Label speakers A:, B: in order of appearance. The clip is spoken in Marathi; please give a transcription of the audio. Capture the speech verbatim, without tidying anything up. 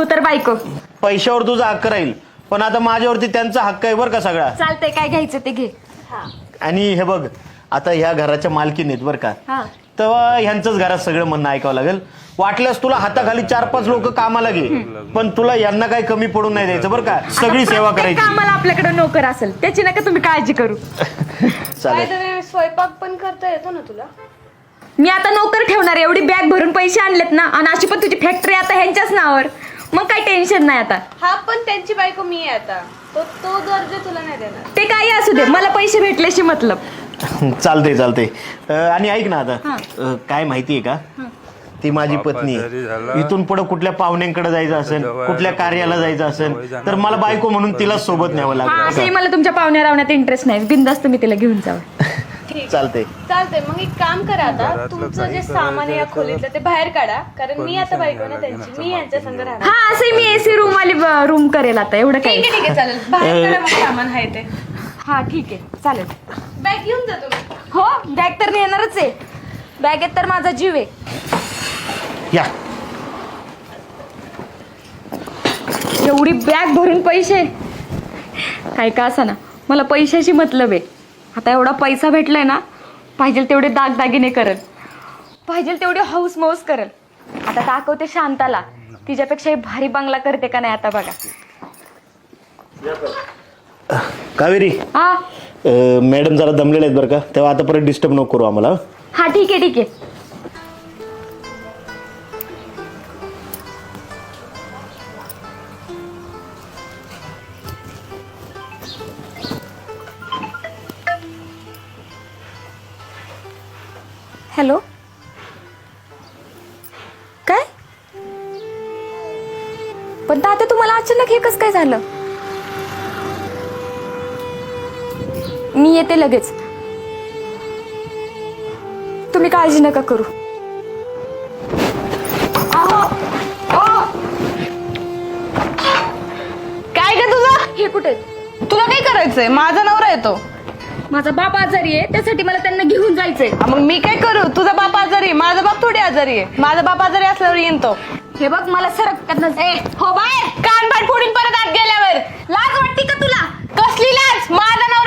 A: बायको तर बायको.
B: पैशावर तुझा हक्क राहील, पण आता माझ्यावरती त्यांचा हक्क आहे बरं का सगळा.
A: चालतंय, काय घ्यायचं ते घे.
B: आणि हे बघ, आता ह्या घराच्या मालकीन आहेत बरं का,
A: हा.
B: तेव्हा ह्यांचंच घरात सगळं म्हणणं ऐकावं लागेल. वाटल्यास तुला हाताखाली चार पाच लोक कामाला घे, पण तुला यांना काही कमी पडून नाही द्यायचं बरं का. सगळी सेवा करायची.
A: आम्हाला आपल्याकडे नोकर असेल त्याची नका तुम्ही काळजी करू.
B: चालेल.
C: स्वयंपाक पण करता येतो ना तुला?
A: मी आता नोकर ठेवणार, एवढी बॅग भरून पैसे आणलेत ना, आणि अशी पण तुझी फॅक्टरी आता ह्यांच्याच नावावर, मग काही टेन्शन नाही आता.
C: हा, पण त्यांची बायको मी आहे आता, तो तो दर्जा तुला नाही देणार.
A: ते काही असू दे, मला पैसे भेटल्याशी मतलब.
B: चालते चालते. आणि ऐक ना आता, अं, काय माहितीये का, ती माझी पत्नी आहे. इथून पुढे कुठल्या पाहुण्यांकडे जायचं असेल, कुठल्या कार्याला जायचं असेल, तर मला बायको म्हणून तिला सोबत न्यावं
A: हा,
B: लागतं.
A: असंही मला तुमच्या पाहुण्या रावण्यात इंटरेस्ट नाही, बिनधास्त मी तिला घेऊन जावं.
B: चालते.
C: चालतंय, मग एक काम करा, आता तुमचं जे सामान आहे या खोलीतलं ते बाहेर काढा, कारण मी आता बायको ना त्यांची, मी यांच्या संग राहणार.
A: हा, असंही मी एसी रूम वाली रूम करेल आता, एवढं
C: ठीक
A: काही.
C: आहे ठीक आहे, चालेल. बाहेर काढा मग सामान आहे ते.
A: हा ठीक आहे, चालेल.
C: बॅग घेऊन जा तुम्ही.
A: हो, बॅग तर नेणारच आहे, बॅगेत तर माझा जीव आहे.
B: या.
A: एवढी बॅग भरून पैसे, काय का असा ना, मला पैशाशी मतलब आहे. आता एवढा पैसा भेटलाय ना, पाहिजे तेवढे दागदागिने करल, पाहिजे तेवढे हौस मौस करल. आता दाखवते शांताला, तिच्यापेक्षा भारी बंगला करते का नाही आता बघा.
B: कावेरी,
A: हा
B: अं, मॅडम जरा दमलेले आहेत बरं का, तेव्हा आता परत डिस्टर्ब नको करू आम्हाला.
A: हा ठीक आहे ठीक आहे. हॅलो, काय? पण तात्या तुम्हाला अचानक हे कसं काय झालं? मी येते लगेच, तुम्ही काळजी नका करू.
C: काय ग तुझं?
A: हे कुठे?
C: तुला काय करायचंय? माझा नवरा येतो.
A: माझा बाप आजारी आहे, त्यासाठी मला त्यांना घेऊन जायचंय.
C: मग मी काय करू? तुझा बाप आजारी आहे, माझा बाप थोडी आजारी आहे. माझा बाप आजारी असल्यावर येईन तो.
A: हे बघ, मला सरक त्यांना.
C: हो बाय, कान पाठ फोडून परत आत गेल्यावर.
A: लाज वाटते का तुला?
C: कसली लाज? माझा नवरा